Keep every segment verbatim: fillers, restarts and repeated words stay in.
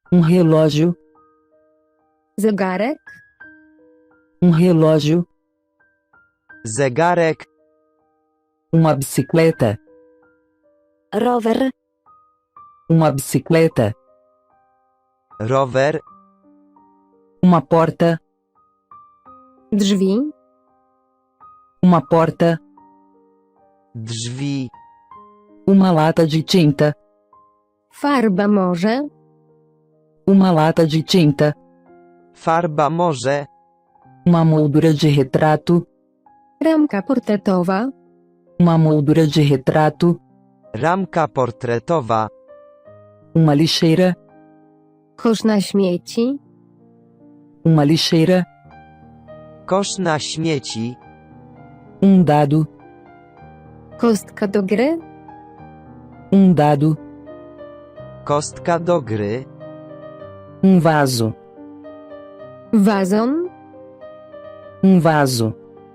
um relógio, zegarek, um relógio, zegarek, uma bicicleta, rower, uma bicicleta, rower, uma porta, drzwi, uma porta, drzwi, uma lata de tinta, farba morze, uma lata de tinta, farba morze, uma moldura de retrato, ramka portretowa, uma moldura de retrato, ramka portretowa, uma lixeira, kosz na śmieci, uma lixeira, kosz na śmieci, um dado, kostka do gry, um dado, kostka do gry, um vaso, wazon, um vaso,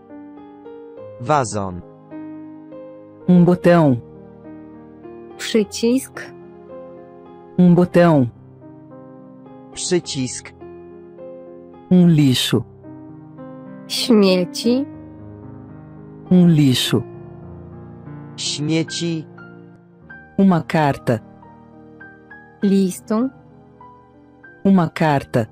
wazon, um botão, przycisk, um botão, przycisk, um lixo, śmieci, um lixo, śmieci, uma carta, listu, uma carta,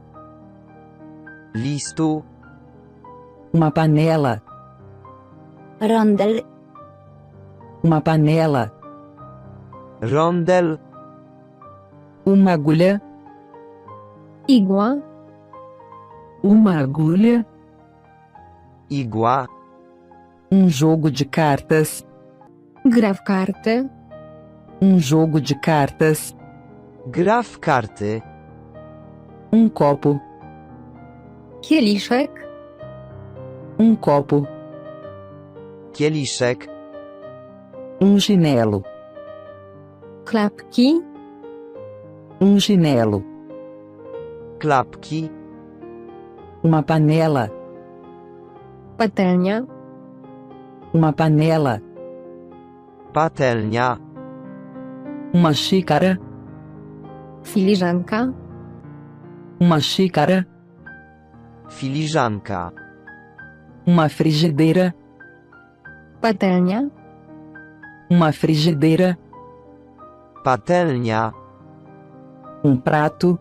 listu, uma panela, rondel, uma panela, rondel, uma agulha, igła, uma agulha, igła, um jogo de cartas, gra w karty, um jogo de cartas, gra w karty, um copo, kieliszek, um copo, kieliszek, um chinelo, klapki, um chinelo, klapki, uma panela, patelnia, uma panela, patelnia, uma xícara, filiżanka, uma xícara, filiżanka, uma frigideira, patelnia, uma frigideira, patelnia, um prato,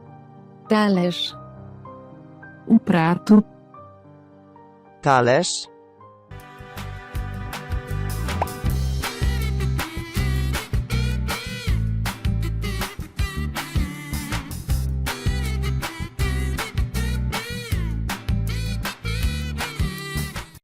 talerz, um prato, talerz,